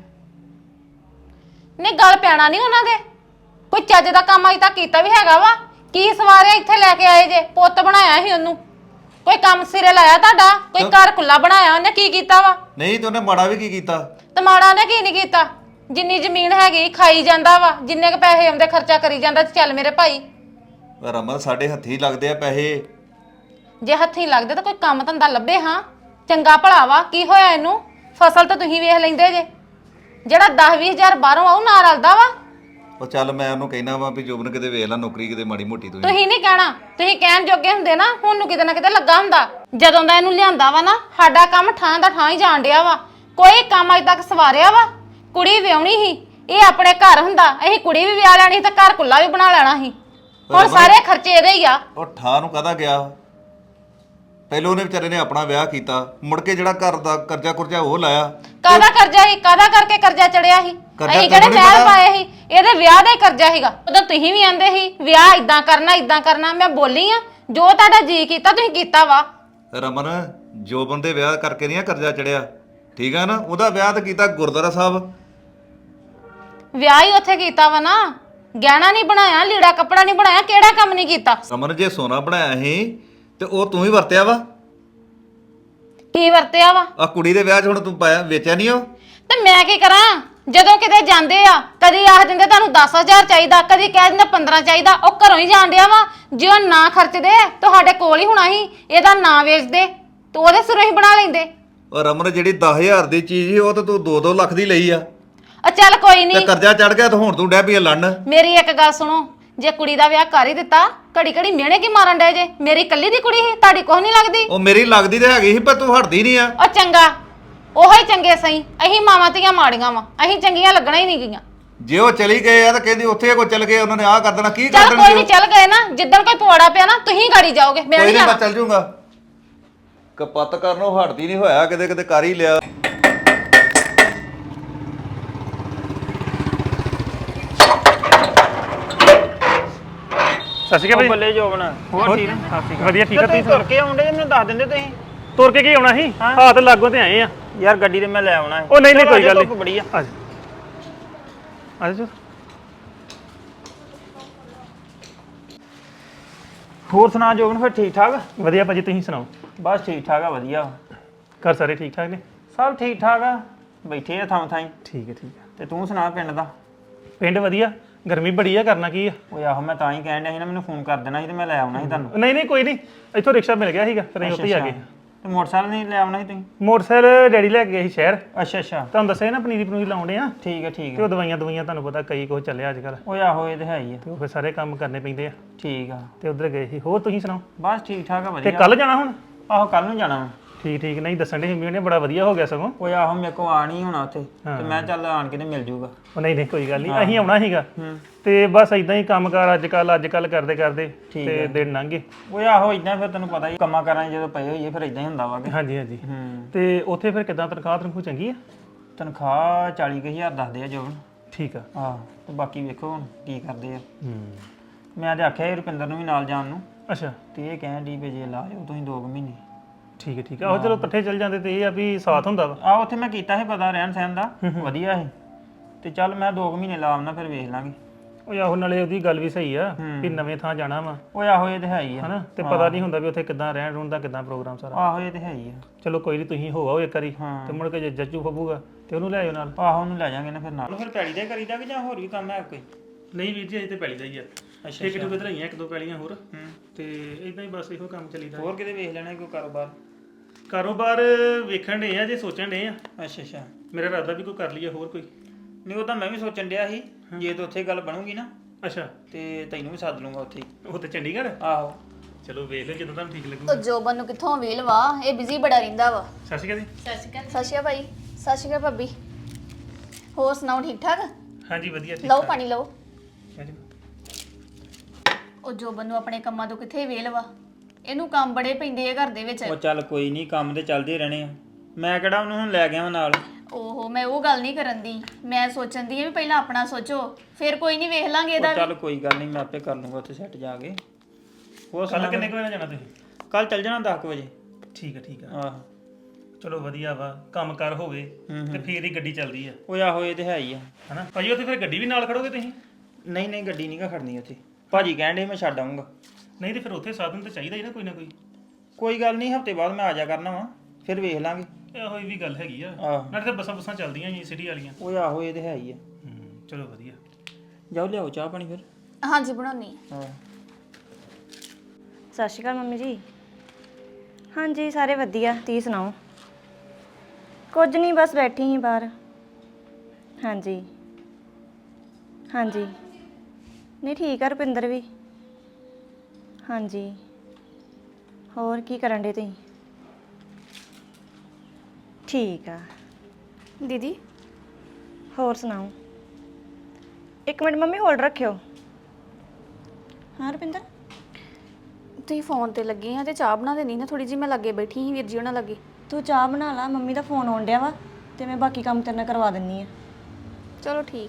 Speaker 1: ਨਹੀਂ ਗੱਲ ਪੈਣਾ ਨਹੀਂ ਉਹਨਾਂ ਦੇ, ਕੋਈ ਚੱਜ ਦਾ ਕੰਮ ਅਜੇ ਤੱਕ ਕੀਤਾ ਵੀ ਹੈਗਾ ਵਾ? ਕੀ ਸਵਾਰਿਆ ਇੱਥੇ ਲੈ ਕੇ ਆਏ ਜੇ? ਪੁੱਤ ਬਣਾਇਆ ਸੀ ਉਹਨੂੰ, ਕੋਈ ਕੰਮ ਸਿਰੇ ਲਾਇਆ ਤੁਹਾਡਾ? ਕੋਈ ਘਰ ਕੁੱਲਾ ਬਣਾਇਆ ਉਹਨੇ? ਕੀ ਕੀਤਾ ਵਾ?
Speaker 6: ਨਹੀਂ ਤੇ ਉਹਨੇ ਮਾੜਾ ਵੀ ਕੀ ਕੀਤਾ?
Speaker 1: ਤੇ ਮਾੜਾ ਨੇ ਕੀ ਨਹੀਂ ਕੀਤਾ? ਜਿੰਨੀ ਜ਼ਮੀਨ ਹੈਗੀ ਖਾਈ ਜਾਂਦਾ ਵਾ, ਜਿੰਨੇ ਕ ਪੈਸੇ ਆਉਂਦੇ ਖਰਚਾ ਕਰੀ ਜਾਂਦਾ। ਚੱਲ ਮੇਰੇ ਭਾਈ,
Speaker 6: ਰਮਨ ਸਾਡੇ ਹੱਥੀਂ ਲੱਗਦੇ ਆ ਪੈਸੇ।
Speaker 1: ਜੇ ਹੱਥੀਂ ਲੱਗਦੇ ਤਾਂ ਕੋਈ ਕੰਮ ਧੰਦਾ ਲੱਭੇ। ਹਾਂ ਚੰਗਾ ਭਲਾ ਵਾ, ਕੀ ਹੋਇਆ ਇਹਨੂੰ? ਫਸਲ ਤਾਂ ਤੁਸੀਂ ਵੇਖ ਲੈਂਦੇ ਜੇ, ਜਿਹੜਾ 10-20 ਹਜ਼ਾਰ ਬਾਹਰੋਂ ਆਉ ਨਾ ਰਲਦਾ ਵਾ।
Speaker 6: ਉਹ ਚੱਲ ਮੈਂ ਉਹਨੂੰ ਕਹਿਣਾ ਵਾ ਵੀ ਜੋਬਨ ਕਿਤੇ ਵੇਖ ਲੈ ਨੌਕਰੀ ਕਿਤੇ ਮਾੜੀ ਮੋਟੀ ਤੂੰ।
Speaker 1: ਤੁਸੀਂ ਨਹੀਂ ਕਹਿਣਾ, ਤੁਸੀਂ ਕਹਿਣ ਜੋਗੇ ਹੁੰਦੇ ਨਾ, ਹੁਣ ਨੂੰ ਕਿਤੇ ਨਾ ਕਿਤੇ ਲੱਗਾ ਹੁੰਦਾ। ਜਦੋਂ ਦਾ ਇਹਨੂੰ ਲਿਆਂਦਾ ਵਾ ਨਾ, ਸਾਡਾ ਕੰਮ ਠਾਂ ਦਾ ਠਾਂ ਹੀ ਜਾਣ ਡਿਆ ਵਾ। ਕੋਈ ਕੰਮ ਅਜੇ ਤੱਕ ਸਵਾਰਿਆ ਵਾ? ਕੁੜੀ ਵਿਆਹਣੀ ਸੀ, ਇਹ ਆਪਣੇ ਘਰ ਹੁੰਦਾ, ਅਸੀਂ ਕੁੜੀ ਵੀ ਵਿਆਹ ਲੈਣੀ ਤੇ ਘਰ ਕੁੱਲਾ ਵੀ ਬਣਾ ਲੈਣਾ ਸੀ। ਹੁਣ ਸਾਰੇ ਖਰਚੇ ਇਹਦੇ ਹੀ ਆ।
Speaker 6: ਉਹ ਠਾਂ ਨੂੰ ਕਾਹਦਾ ਗਿਆ? ਪਹਿਲਾਂ ਉਹਨੇ ਵਿਚਾਰੇ ਨੇ ਆਪਣਾ ਵਿਆਹ ਕੀਤਾ, ਮੁੜ ਕੇ ਜਿਹੜਾ ਘਰ ਦਾ ਕਰਜ਼ਾ ਕੁਰਜ਼ਾ ਉਹ ਲਾਇਆ।
Speaker 1: ਕਾਹਦਾ ਕਰਜ਼ਾ ਸੀ? ਕਾਹਦਾ ਕਰਕੇ ਕਰਜ਼ਾ ਚੜਿਆ ਸੀ? ਅਸੀਂ ਕਿਹੜੇ ਮਹਿਲ ਪਾਏ ਸੀ? ਇਹਦੇ ਵਿਆਹ ਦਾ ਹੀ ਕਰਜ਼ਾ ਸੀਗਾ। ਉਦੋਂ ਤੁਸੀਂ ਵੀ ਆਂਦੇ ਸੀ ਵਿਆਹ ਇਦਾਂ ਕਰਨਾ ਇਦਾਂ ਕਰਨਾ। ਮੈਂ ਬੋਲੀ ਆ, ਜੋ ਤੁਹਾਡਾ ਜੀ ਕੀਤਾ ਤੁਸੀਂ ਕੀਤਾ ਵਾ।
Speaker 6: ਰਮਨ ਜੋਬਨ ਦੇ ਵਿਆਹ ਕਰਕੇ ਨਹੀਂ ਕਰਜ਼ਾ ਚੜਿਆ, ਠੀਕ ਆ ਨਾ? ਉਹਦਾ ਵਿਆਹ ਤਾਂ ਕੀਤਾ ਗੁਰਦੁਆਰਾ ਸਾਹਿਬ।
Speaker 1: ਵਿਆਹ ਹੀ ਉੱਥੇ ਕੀਤਾ ਵਾ ਨਾ, ਗਹਿਣਾ ਨਹੀਂ ਬਣਾਇਆ, ਲੀੜਾ ਕੱਪੜਾ ਨਹੀਂ ਬਣਾਇਆ, ਕਿਹੜਾ ਕੰਮ ਨਹੀਂ ਕੀਤਾ?
Speaker 6: ਰਮਨ ਜੇ ਸੋਨਾ ਬਣਾਇਆ ਸੀ ਤੇ ਉਹ ਤੂੰ ਹੀ ਵਰਤਿਆ ਵਾ।
Speaker 1: ਕੀ ਵਰਤਿਆ ਵਾ?
Speaker 6: ਆ ਕੁੜੀ ਦੇ ਵਿਆਹ 'ਚ ਹੁਣ ਤੂੰ ਪਾਇਆ, ਵੇਚਿਆ ਨਹੀਂ ਉਹ?
Speaker 1: ਤੇ ਮੈਂ ਕੀ ਕਰਾਂ? ਜਦੋਂ ਕਿਤੇ ਜਾਂਦੇ ਆ, ਕਦੀ ਆਖ ਦਿੰਦੇ ਤੁਹਾਨੂੰ 10,000 ਚਾਹੀਦਾ, ਕਦੀ ਕਹਿ ਦਿੰਦੇ 15 ਚਾਹੀਦਾ। ਉਹ ਘਰੋਂ ਹੀ ਜਾਣ ਡਿਆ ਵਾ। ਜੇ ਉਹ ਨਾ ਖਰਚਦੇ ਤੁਹਾਡੇ ਕੋਲ ਹੀ ਹੋਣਾ ਸੀ, ਇਹਦਾ ਨਾਂ ਵੇਚਦੇ ਤੇ ਉਹਦੇ ਸਿਰੋਂ ਹੀ ਬਣਾ ਲੈਂਦੇ।
Speaker 6: ਉਹ ਰਮਨ ਜਿਹੜੀ 10,000 ਦੀ ਚੀਜ਼ ਸੀ ਉਹ ਤਾਂ ਤੂੰ 2-2 ਲੱਖ ਦੀ ਲਈ ਆ।
Speaker 1: ਚੱਲ ਕੋਈ
Speaker 6: ਤੇ
Speaker 1: ਨਹੀਂ,
Speaker 6: ਕਰਜ਼ਾ ਚੜ ਗਿਆ ਤਾਂ ਹੁਣ ਤੂੰ ਡੈ ਪਈ ਲੜਨ।
Speaker 1: ਮੇਰੀ ਇੱਕ ਗੱਲ ਸੁਣੋ, ਜੇ ਕੁੜੀ ਦਾ ਵਿਆਹ ਕਰ ਹੀ ਦਿੱਤਾ, ਘੜੀ ਘੜੀ ਮਿਹਣੇ ਕੀ ਮਾਰਨ ਡਏ ਜੇ? ਮੇਰੀ ਇਕੱਲੀ ਦੀ ਕੁੜੀ ਸੀ, ਤੁਹਾਡੀ ਕੁਛ ਨਹੀਂ ਲੱਗਦੀ?
Speaker 6: ਉਹ ਮੇਰੀ ਲੱਗਦੀ ਤੇ ਹੈਗੀ ਸੀ ਪਰ ਤੂੰ ਹਟਦੀ ਨਹੀਂ ਆ।
Speaker 1: ਉਹ ਚੰਗਾ, ਉਹੋ ਹੀ ਚੰਗੇ ਸਹੀ। ਅਸੀਂ ਮਾਵਾਂ ਧੀਆਂ ਮਾੜੀਆਂ ਵਾ, ਅਸੀਂ ਚੰਗੀਆਂ ਲੱਗਣਾ ਹੀ ਨਹੀਂ ਗਈਆਂ।
Speaker 6: ਜੇ ਉਹ ਚਲੀ ਗਏ ਆ ਤਾਂ ਕਹਿੰਦੀ ਉੱਥੇ ਕੋ ਚਲ ਗਏ, ਉਹਨਾਂ ਨੇ ਆਹ ਕਰ ਦੇਣਾ, ਕੀ ਕਰ
Speaker 1: ਚੱਲ
Speaker 6: ਦੇਣਾ?
Speaker 1: ਕੋਈ ਨਹੀਂ, ਚੱਲ ਗਏ ਨਾ, ਜਿੱਦਣ ਕੋਈ ਪਵਾੜਾ ਪਿਆ ਨਾ ਤੁਸੀਂ ਗਾੜੀ ਜਾਓਗੇ, ਮੈਂ
Speaker 6: ਕੋਈ
Speaker 1: ਨਹੀਂ
Speaker 6: ਨਹੀਂ,
Speaker 1: ਜਾਣਾ।
Speaker 6: ਮੈਂ ਚੱਲ ਜੂੰਗਾ। ਕਪੱਤ ਕਰਨੋਂ ਹਟਦੀ ਨਹੀਂ, ਹੋਇਆ ਕਿਤੇ ਕਿਤੇ ਕਰ ਹੀ ਲਿਆ।
Speaker 3: ਸਤਿ ਸ਼੍ਰੀ ਅਕਾਲ ਭਾਈ।
Speaker 2: ਬੱਲੇ ਜੋਬਨ ਹੋਰ ਠੀਕ ਆ?
Speaker 3: ਵਧੀਆ, ਠੀਕ ਆ।
Speaker 2: ਤੁਸੀਂ ਤੁਰ ਕੇ ਆਉਂਦੇ ਮੈਨੂੰ ਦੱਸ ਦਿੰਦੇ ਤੁਸੀਂ।
Speaker 3: ਤੁਰ ਕੇ ਕੀ ਆਉਣਾ ਸੀ? ਹਾਂ ਤੇ ਲਾਗੋਂ ਤੇ ਆਏ ਆ
Speaker 2: ਯਾਰ ਗੱਡੀ ਤੇ ਮੈਂ ਲੈ ਆਉਣਾ ਹੈ।
Speaker 3: ਉਹ ਨਹੀਂ ਨਹੀਂ,
Speaker 2: ਚਲੋ
Speaker 3: ਕੋਈ ਗੱਲ
Speaker 2: ਧੁੱਪ
Speaker 3: ਨਹੀਂ।
Speaker 2: ਬੜੀ ਆ।
Speaker 3: ਆ ਜਾ
Speaker 2: ਹੋਰ ਸੁਣਾ ਜੋਬਨ, ਫਿਰ ਠੀਕ ਠਾਕ?
Speaker 3: ਵਧੀਆ ਭਾਜੀ, ਤੁਸੀਂ ਸੁਣਾਓ?
Speaker 2: ਬਸ ਠੀਕ ਠਾਕ ਆ, ਵਧੀਆ।
Speaker 3: ਘਰ ਸਾਰੇ ਠੀਕ ਠਾਕ ਨੇ?
Speaker 2: ਸਭ ਠੀਕ ਠਾਕ ਆ, ਬੈਠੇ ਆ ਥਾਂ ਥਾਈ।
Speaker 3: ਠੀਕ ਹੈ, ਠੀਕ ਹੈ।
Speaker 2: ਤੇ ਤੂੰ ਸੁਣਾ ਪਿੰਡ ਦਾ?
Speaker 3: ਪਿੰਡ ਵਧੀਆ, ਗਰਮੀ ਬੜੀ ਆ, ਕਰਨਾ ਕੀ ਆ?
Speaker 2: ਓਏ ਆਹੋ, ਮੈਂ ਤਾਂ ਹੀ ਕਹਿਣ ਡਿਆ ਸੀ ਨਾ, ਮੈਨੂੰ ਫੋਨ ਕਰ ਦੇਣਾ ਸੀ ਤੇ ਮੈਂ ਲੈ ਆਉਣਾ ਸੀ ਤੁਹਾਨੂੰ।
Speaker 3: ਨਹੀਂ ਨਹੀਂ, ਕੋਈ ਨਹੀਂ, ਇੱਥੋਂ ਰਿਕਸ਼ਾ ਮਿਲ ਗਿਆ ਸੀਗਾ, ਫਿਰ ਅਸੀਂ ਉੱਥੇ ਹੀ ਆ ਗਏ।
Speaker 2: ਤੇ ਮੋਟਰਸਾਈਕਲ ਨਹੀਂ ਲੈ ਆਉਣਾ ਸੀ ਤੁਸੀਂ?
Speaker 3: ਮੋਟਰਸਾਈਕਲ ਡੈਡੀ ਲੈ ਕੇ ਗਏ ਸੀ ਸ਼ਹਿਰ।
Speaker 2: ਅੱਛਾ ਅੱਛਾ,
Speaker 3: ਤੁਹਾਨੂੰ ਦੱਸਿਆ ਨਾ ਪਨੀਰੀ ਪਨੂਰੀ ਲਾਉਂਦੇ ਆ,
Speaker 2: ਠੀਕ ਹੈ ਠੀਕ
Speaker 3: ਤੇ
Speaker 2: ਹੈ।
Speaker 3: ਉਹ ਦਵਾਈਆਂ ਤੁਹਾਨੂੰ ਪਤਾ ਕਈ ਕੁਛ ਚੱਲਿਆ ਅੱਜ ਕੱਲ੍ਹ,
Speaker 2: ਓਏ ਆਹੋ, ਇਹ ਤੇ ਹੈ ਹੀ ਆ।
Speaker 3: ਤੇ ਉਹ ਫਿਰ ਸਾਰੇ ਕੰਮ ਕਰਨੇ ਪੈਂਦੇ ਆ,
Speaker 2: ਠੀਕ ਆ,
Speaker 3: ਤੇ ਉਧਰ ਗਏ ਸੀ। ਹੋਰ ਤੁਸੀਂ ਸੁਣਾਓ?
Speaker 2: ਬਸ ਠੀਕ ਠਾਕ ਆ,
Speaker 3: ਤੇ
Speaker 2: ਵਧੀਆ।
Speaker 3: ਕੱਲ ਜਾਣਾ ਹੁਣ?
Speaker 2: ਆਹੋ ਕੱਲ ਨੂੰ ਜਾਣਾ ਵਾ।
Speaker 3: ਠੀਕ ਠੀਕ, ਨਹੀਂ ਦੱਸਣ ਦੇ ਮੰਮੀ ਨੇ, ਬੜਾ ਵਧੀਆ ਹੋ ਗਿਆ ਸਗੋਂ।
Speaker 2: ਓਏ ਆਹੋ, ਮੇਰੇ ਕੋ ਆ ਨਹੀਂ ਹੋਣਾ ਉੱਥੇ, ਤੇ ਮੈਂ ਚੱਲ ਆਣ ਕੇ ਤੇ ਮਿਲ ਜੂਗਾ।
Speaker 3: ਉਹ ਨਹੀਂ ਨਹੀਂ, ਕੋਈ ਗੱਲ ਨਹੀਂ, ਅਸੀਂ ਆਉਣਾ ਸੀਗਾ।
Speaker 2: ਹੂੰ।
Speaker 3: ਤੇ ਬਸ ਇਦਾਂ ਹੀ ਕੰਮਕਾਰ ਅੱਜ ਕੱਲ ਕਰਦੇ ਕਰਦੇ ਤੇ ਦਿਨ ਲੰਘ ਗਏ।
Speaker 2: ਓਏ ਆਹੋ, ਇਦਾਂ ਫਿਰ ਤੈਨੂੰ ਪਤਾ ਹੀ ਕੰਮਾਂ ਕਰਾਂ ਜਦੋਂ ਪਏ ਹੋਈਏ ਫਿਰ ਇਦਾਂ ਹੀ ਹੁੰਦਾ ਵਾ ਕਿ।
Speaker 3: ਹਾਂਜੀ ਹਾਂਜੀ।
Speaker 2: ਹੂੰ।
Speaker 3: ਤੇ ਉੱਥੇ ਫਿਰ ਕਿਦਾਂ ਤਨਖਾਹ ਚੰਗੀ ਆ?
Speaker 2: ਤਨਖਾਹ 40,000 ਦੱਸਦੇ ਆ ਜੋਬਨ।
Speaker 3: ਠੀਕ ਆ।
Speaker 2: ਆਹ ਤੇ ਬਾਕੀ ਵੇਖੋ ਹੁਣ ਕੀ ਕਰਦੇ ਆ।
Speaker 3: ਹੂੰ।
Speaker 2: ਮੈਂ ਤੇ ਆਖਿਆ ਸੀ ਰੁਪਿੰਦਰ ਨੂੰ ਵੀ ਨਾਲ ਜਾਣ ਨੂੰ,
Speaker 3: ਅੱਛਾ
Speaker 2: ਤੇ ਇਹ ਕਹਿਣ ਦੀ ਵੀ ਜੇ ਲਾ ਜਾਓ ਤੁਸੀਂ 2 ਮਹੀਨੇ।
Speaker 3: ਠੀਕ ਆ ਆਹੋ ਚਲੋ ਇਕੱਠੇ ਚੱਲ ਜਾਂਦੇ ਤੇ ਇਹ ਆ ਵੀ ਸਾਥ ਹੁੰਦਾ ਵਾ
Speaker 2: ਆ ਉੱਥੇ ਮੈਂ ਕੀਤਾ ਸੀ ਪਤਾ ਰਹਿਣ ਸਹਿਣ ਦਾ ਵਧੀਆ ਸੀ ਤੇ ਚੱਲ ਮੈਂ 2 ਮਹੀਨੇ ਲਾ ਆਉਣਾ ਫਿਰ ਵੇਖ ਲਾਂਗੇ।
Speaker 3: ਉਹ ਆਹੋ ਨਾਲੇ ਉਹਦੀ ਗੱਲ ਵੀ ਸਹੀ ਆ ਵੀ ਨਵੇਂ ਥਾਂ ਜਾਣਾ ਵਾ
Speaker 2: ਓਏ ਆਹੋ ਇਹ ਤੇ ਹੈ ਹੀ ਆ।
Speaker 3: ਹਨਾ ਤੇ ਪਤਾ ਨਹੀਂ ਹੁੰਦਾ ਵੀ ਉੱਥੇ ਕਿੱਦਾਂ ਰਹਿਣ ਰੂਣ ਦਾ ਕਿੱਦਾਂ ਪ੍ਰੋਗਰਾਮ ਸਾਰਾ।
Speaker 2: ਆਹੋ ਇਹ ਤੇ ਹੈ ਹੀ ਆ।
Speaker 3: ਚਲੋ ਕੋਈ ਨਹੀਂ ਤੁਸੀਂ ਹੋ ਆਓ ਇੱਕ ਵਾਰੀ ਤੇ ਮੁੜ ਕੇ ਜੇ ਜੱਜੂ ਫੱਬੂਗਾ ਤੇ ਉਹਨੂੰ ਲੈ ਆਇਓ ਨਾਲ।
Speaker 2: ਆਹੋ ਉਹਨੂੰ ਲੈ ਜਾਾਂਗੇ ਨਾ ਫਿਰ ਨਾਲ। ਫਿਰ ਪੈਲੀ ਦਾ ਕਰੀਦਾ ਕਿ ਜਾਂ ਹੋਰ ਵੀ ਕੰਮ ਹੈ ਕੋਈ?
Speaker 3: ਨਹੀਂ ਵੀਰ ਜੀ ਅਜੇ ਤੇ ਪੈਲੀ ਦਾ ਹੀ ਆ।
Speaker 2: ਅੱਛਾ
Speaker 3: ਇੱਕ ਟੁਕੇ ਧਰਾਈਆਂ 1-2 ਪੈਲੀਆਂ ਹੋਰ ਤੇ ਇਦਾਂ ਹੀ ਬਸ ਇਹੋ ਕੰਮ ਚੱਲੀਦਾ।
Speaker 2: ਹੋਰ ਕਿਤੇ ਵੇਖ ਲੈਣਾ ਕੋਈ
Speaker 3: ਕਾਰੋਬਾਰ ਵੇਖਣ ਡੇ ਆ ਜੇ ਸੋਚਣ ਡੇ ਆ।
Speaker 2: ਅੱਛਾ
Speaker 3: ਮੇਰਾ ਇਰਾਦਾ ਵੀ ਕੋਈ ਕਰ ਲਈਏ ਹੋਰ ਕੋਈ।
Speaker 2: ਨਹੀਂ ਉਹ ਤਾਂ ਮੈਂ ਵੀ ਸੋਚਣ ਡਿਆ ਸੀ ਜੇ ਤਾਂ ਉੱਥੇ ਗੱਲ ਬਣੂਗੀ ਨਾ
Speaker 3: ਅੱਛਾ
Speaker 2: ਤੇ ਤੈਨੂੰ ਵੀ ਸੱਦ ਲੂੰਗਾ ਉੱਥੇ।
Speaker 3: ਉਹ ਤੇ ਚੰਡੀਗੜ੍ਹ।
Speaker 2: ਆਹੋ
Speaker 3: ਚਲੋ ਵੇਖ ਲਓ ਜਦੋਂ ਤੁਹਾਨੂੰ ਠੀਕ
Speaker 7: ਉਹ
Speaker 3: ਲੱਗੂਗਾ।
Speaker 7: ਜੋਬਨ ਨੂੰ ਕਿੱਥੋਂ ਵੇਲ ਵਾ, ਇਹ ਬਿਜ਼ੀ ਬੜਾ ਰਹਿੰਦਾ ਵਾ।
Speaker 3: ਸਤਿ ਸ਼੍ਰੀ ਅਕਾਲ ਜੀ।
Speaker 7: ਸਤਿ ਸ਼੍ਰੀ ਅਕਾਲ ਭਾਈ। ਸਤਿ ਸ਼੍ਰੀ ਅਕਾਲ ਭਾਬੀ। ਹੋਰ ਸੁਣਾਓ ਠੀਕ ਠਾਕ?
Speaker 3: ਹਾਂਜੀ ਵਧੀਆ ਠੀਕ
Speaker 7: ਲਓ ਪਾਣੀ ਲਓ।
Speaker 3: ਹਾਂਜੀ।
Speaker 7: ਉਹ ਜੋਬਨ ਨੂੰ ਆਪਣੇ ਕੰਮਾਂ ਤੋਂ ਕਿੱਥੇ ਵੇਲ ਵਾ, ਇਹਨੂੰ ਕੰਮ ਬੜੇ ਪੈਂਦੇ ਆ ਘਰ ਦੇ ਵਿੱਚ।
Speaker 2: ਉਹ ਚੱਲ ਕੋਈ ਨਹੀਂ ਕੰਮ ਤੇ ਚੱਲਦੇ ਰਹਿਣੇ ਆ। ਮੈਂ ਕਿਹੜਾ ਉਹਨੂੰ ਹੁਣ ਲੈ ਗਿਆ ਨਾਲ।
Speaker 7: ਓਹੋ ਮੈਂ ਉਹ ਗੱਲ ਨਹੀਂ ਕਰਨ ਦੀ, ਮੈਂ ਸੋਚਣ ਦੀ ਆ ਵੀ ਪਹਿਲਾਂ ਆਪਣਾ ਸੋਚੋ ਫਿਰ ਕੋਈ ਨਹੀਂ ਵੇਖ ਲਾਂਗੇ ਇਹਦਾ
Speaker 2: ਉਹ
Speaker 7: ਵੀ।
Speaker 2: ਚੱਲ ਕੋਈ ਗੱਲ ਨਹੀਂ ਮੈਂ ਆਪੇ ਕਰ ਲੂੰਗਾ ਉੱਥੇ ਸੈੱਟ ਜਾ ਕੇ। ਹੋਰ
Speaker 3: ਕੱਲ ਕਿੰਨੇ ਕੁ ਵਜੇ ਜਾਣਾ ਤੁਸੀਂ?
Speaker 2: ਕੱਲ ਚੱਲ ਜਾਣਾ 10 ਵਜੇ।
Speaker 3: ਠੀਕ ਆ
Speaker 2: ਆਹ
Speaker 3: ਚਲੋ ਵਧੀਆ ਵਾ ਕੰਮ ਕਰ ਹੋਵੇ ਤੇ ਫੇਰ ਹੀ ਗੱਡੀ ਚੱਲਦੀ ਆ
Speaker 2: ਉਹ ਆਹੋ ਇਹ ਤੇ ਹੈ ਹੀ ਆ।
Speaker 3: ਹਨਾ ਭਾਜੀ ਉੱਥੇ ਫਿਰ ਗੱਡੀ ਵੀ ਨਾਲ ਖੜੋਗੇ ਤੁਸੀਂ?
Speaker 2: ਨਹੀਂ ਗੱਡੀ ਨਹੀਂ ਗਾ ਖੜਨੀ ਉੱਥੇ। ਭਾਜੀ ਕਹਿਣ ਡੇ ਮੈਂ ਛੱਡ ਆਊਂਗਾ।
Speaker 3: ਨਹੀਂ ਤੇ ਫਿਰ ਉੱਥੇ ਸਾਧਨ ਤਾਂ ਚਾਹੀਦਾ ਹੀ ਨਾ ਕੋਈ ਨਾ ਕੋਈ।
Speaker 2: ਕੋਈ ਗੱਲ ਨਹੀਂ ਹਫਤੇ ਬਾਅਦ ਮੈਂ ਆ ਜਾ ਕਰਨਾ ਵਾ ਫਿਰ ਵੇਖ ਲਾਂਗੇ।
Speaker 3: ਇਹੋ ਹੀ ਵੀ ਗੱਲ ਹੈਗੀ ਆ।
Speaker 2: ਆਹ
Speaker 3: ਨਾਲੇ ਤੇ ਬੱਸਾਂ ਚੱਲਦੀਆਂ ਜੀ ਸਿਟੀ ਵਾਲੀਆਂ।
Speaker 2: ਉਹ ਆਹੋ ਇਹ ਤੇ ਹੈ ਹੀ ਆ।
Speaker 3: ਚਲੋ ਵਧੀਆ।
Speaker 2: ਜਾਓ ਲਿਆਓ ਚਾਹ ਪਾਣੀ ਫਿਰ।
Speaker 7: ਹਾਂਜੀ ਬਣਾਉਣੀ ਆ।
Speaker 2: ਹਾਂ
Speaker 4: ਸਤਿ ਸ਼੍ਰੀ ਅਕਾਲ ਮੰਮੀ ਜੀ। ਹਾਂਜੀ ਸਾਰੇ ਵਧੀਆ, ਤੁਸੀਂ ਸੁਣਾਓ? ਕੁਝ ਨਹੀਂ ਬਸ ਬੈਠੀ ਸੀ ਬਾਹਰ। ਹਾਂਜੀ ਨਹੀਂ ਠੀਕ ਆ ਰੁਪਿੰਦਰ ਵੀ। ਹਾਂਜੀ ਹੋਰ ਕੀ ਕਰਨ ਡੇ ਤੁਸੀਂ? ਠੀਕ ਆ
Speaker 5: ਦੀਦੀ
Speaker 4: ਹੋਰ ਸੁਣਾਓ? ਇੱਕ ਮਿੰਟ ਮੰਮੀ ਹੋਲਡ ਰੱਖਿਓ। ਹਾਂ ਰੁਪਿੰਦਰ
Speaker 5: ਤੁਸੀਂ ਫੋਨ ਤੇ ਲੱਗੇ ਆ ਤੇ ਚਾਹ ਬਣਾ ਦੇਣੀ ਨਾ ਥੋੜੀ ਜੀ, ਮੈਂ ਲੱਗੇ ਬੈਠੀ ਸੀ ਵੀਰ ਜੀ ਉਹਨਾਂ ਲੱਗੇ।
Speaker 4: ਤੂੰ ਚਾਹ ਬਣਾ ਲਾ, ਮੰਮੀ ਦਾ ਫੋਨ ਆਉਣ ਡਿਆ ਵਾ ਤੇ ਮੈਂ ਬਾਕੀ ਕੰਮ ਤੇਰੇ ਨਾਲ ਕਰਵਾ ਦਿੰਨੀ ਆ।
Speaker 5: ਚਲੋ ਠੀਕ।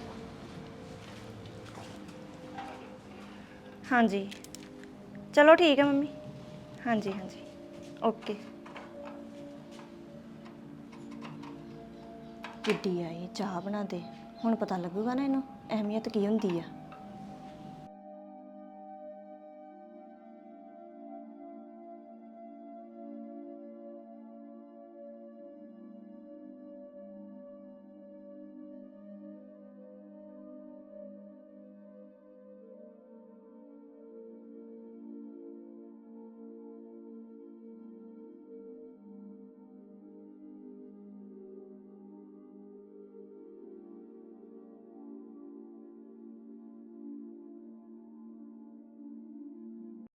Speaker 4: ਹਾਂਜੀ ਚਲੋ ਠੀਕ ਹੈ ਮੰਮੀ। ਹਾਂਜੀ ਓਕੇ। ਕਿੱਡੀ ਆਈ ਚਾਹ ਬਣਾ ਦੇ, ਹੁਣ ਪਤਾ ਲੱਗੂਗਾ ਨਾ ਇਹਨੂੰ ਅਹਿਮੀਅਤ ਕੀ ਹੁੰਦੀ ਆ।